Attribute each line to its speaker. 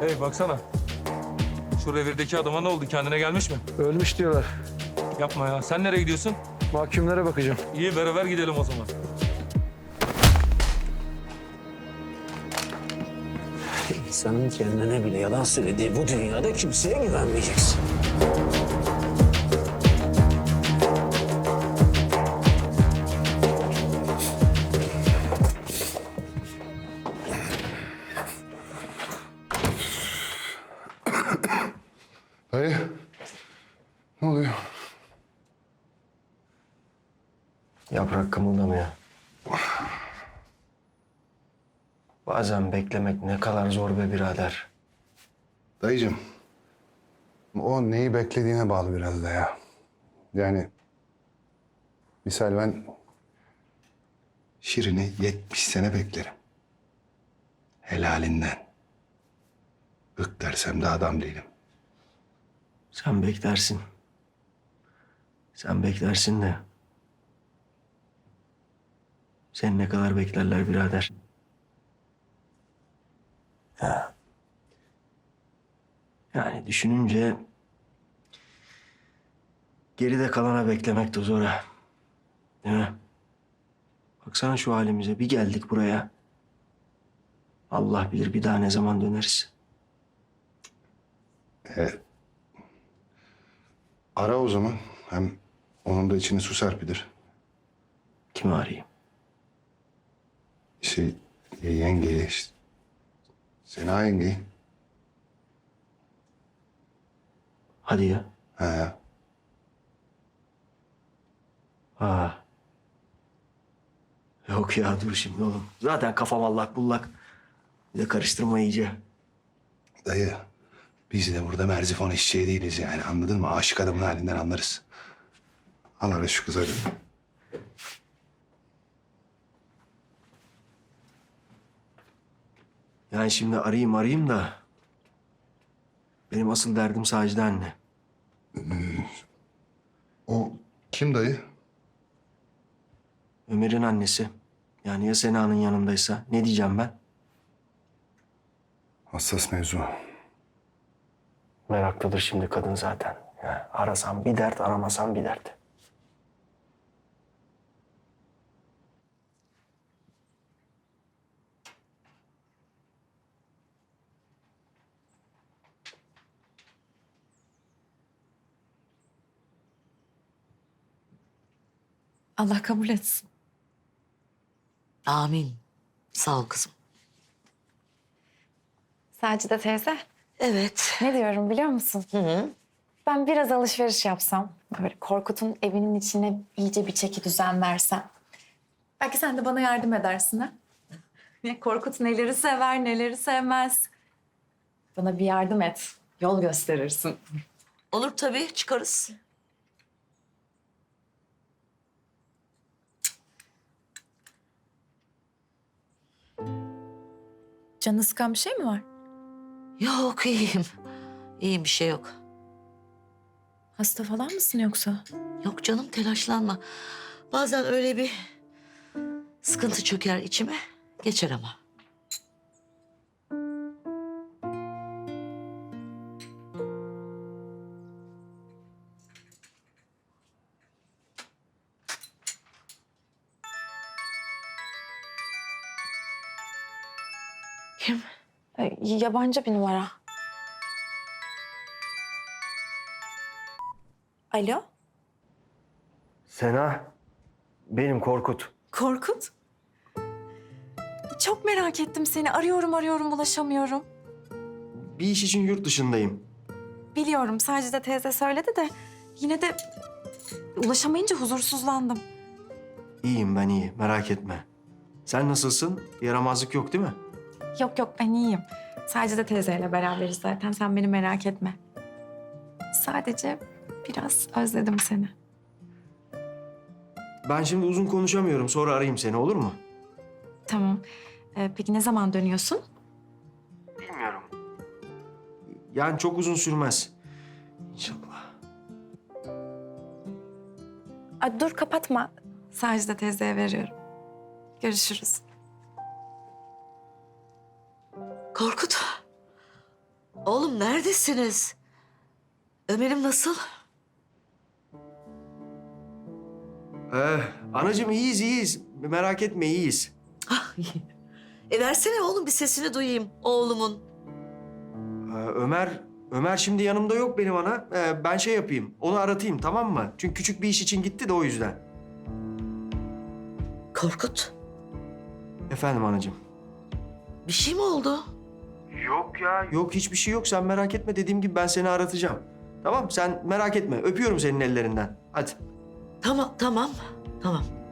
Speaker 1: Hey baksana. Şu revirdeki adama ne oldu? Kendine gelmiş mi?
Speaker 2: Ölmüş diyorlar.
Speaker 1: Yapma ya. Sen nereye gidiyorsun?
Speaker 2: Mahkumlara bakacağım.
Speaker 1: İyi beraber gidelim o zaman.
Speaker 3: İnsanın kendine bile yalan söylediği bu dünyada kimseye güvenmeyeceksin.
Speaker 4: Dayı, ne oluyor?
Speaker 3: Yaprak kımıldamıyor. Bazen beklemek ne kadar zor be birader.
Speaker 4: Dayıcığım, o neyi beklediğine bağlı biraz da ya. Yani misal ben Şirin'i 70 sene beklerim. Helalinden. Bık dersem de adam değilim.
Speaker 3: Sen beklersin. Sen beklersin de. Sen ne kadar beklerler birader. Ya. Yani düşününce geride kalana beklemek de zor ha. Değil mi? Baksana şu halimize. Bir geldik buraya. Allah bilir bir daha ne zaman döneriz.
Speaker 4: Ara o zaman. Hem onun da içini su serpidir.
Speaker 3: Kimi arayayım?
Speaker 4: Yengeye işte. Sena yengeyi.
Speaker 3: Hadi ya.
Speaker 4: He.
Speaker 3: Aa. Yok ya dur şimdi oğlum. Zaten kafam allak bullak. Bir de karıştırma iyice.
Speaker 4: Dayı, biz de burada merzifon eşeği değiliz yani, anladın mı? Aşık adamın halinden anlarız. Al ara şu kızı hadi.
Speaker 3: Yani şimdi arayayım da... Benim asıl derdim Sacide anne.
Speaker 4: O kim dayı?
Speaker 3: Ömer'in annesi. Yani ya Sena'nın yanındaysa ne diyeceğim ben?
Speaker 4: Hassas mevzu.
Speaker 3: Meraklıdır şimdi kadın zaten. Yani arasam bir dert, aramasam bir dert.
Speaker 5: Allah kabul etsin.
Speaker 6: Amin. Sağ ol kızım.
Speaker 5: Sacide teyze,
Speaker 6: Evet.
Speaker 5: ne diyorum biliyor musun?
Speaker 6: Hı.
Speaker 5: Ben biraz alışveriş yapsam, böyle Korkut'un evinin içine iyice bir çeki düzen versem. Belki sen de bana yardım edersin ha? Ne Korkut neleri sever, neleri sevmez. Bana bir yardım et, yol gösterirsin.
Speaker 6: Olur tabii, çıkarız.
Speaker 5: Canı sıkan bir şey mi var?
Speaker 6: Yok, iyiyim. İyiyim, bir şey yok.
Speaker 5: Hasta falan mısın yoksa?
Speaker 6: Yok canım, telaşlanma. Bazen öyle bir sıkıntı çöker içime. Geçer ama. Kim?
Speaker 5: Yabancı bir numara. Alo?
Speaker 3: Sena, benim Korkut.
Speaker 5: Korkut? Çok merak ettim seni. Arıyorum ulaşamıyorum.
Speaker 3: Bir iş için yurt dışındayım.
Speaker 5: Biliyorum Sacide teyze söyledi de yine de ulaşamayınca huzursuzlandım.
Speaker 3: İyiyim ben iyi, merak etme. Sen nasılsın? Yaramazlık yok değil mi?
Speaker 5: Yok ben iyiyim. Sacide teyzeyle beraberiz zaten sen beni merak etme. Sadece biraz özledim seni.
Speaker 3: Ben şimdi uzun konuşamıyorum. Sonra arayayım seni, olur mu?
Speaker 5: Tamam. Peki ne zaman dönüyorsun?
Speaker 3: Bilmiyorum. Yani çok uzun sürmez. İnşallah.
Speaker 5: Dur kapatma. Sacide teyzeye veriyorum. Görüşürüz.
Speaker 6: Korkut. Oğlum neredesiniz? Ömer'im nasıl?
Speaker 3: Anacığım iyiyiz. Merak etme iyiyiz.
Speaker 6: Ah, iyi. Versene oğlum bir sesini duyayım oğlumun.
Speaker 3: Ömer şimdi yanımda yok benim ana. Ben şey yapayım, onu aratayım tamam mı? Çünkü küçük bir iş için gitti de o yüzden.
Speaker 6: Korkut,
Speaker 3: Efendim anacığım.
Speaker 6: bir şey mi oldu?
Speaker 3: Yok ya. Yok hiçbir şey yok. Sen merak etme. Dediğim gibi ben seni aratacağım. Tamam sen merak etme. Öpüyorum senin ellerinden. Hadi.
Speaker 6: Tamam.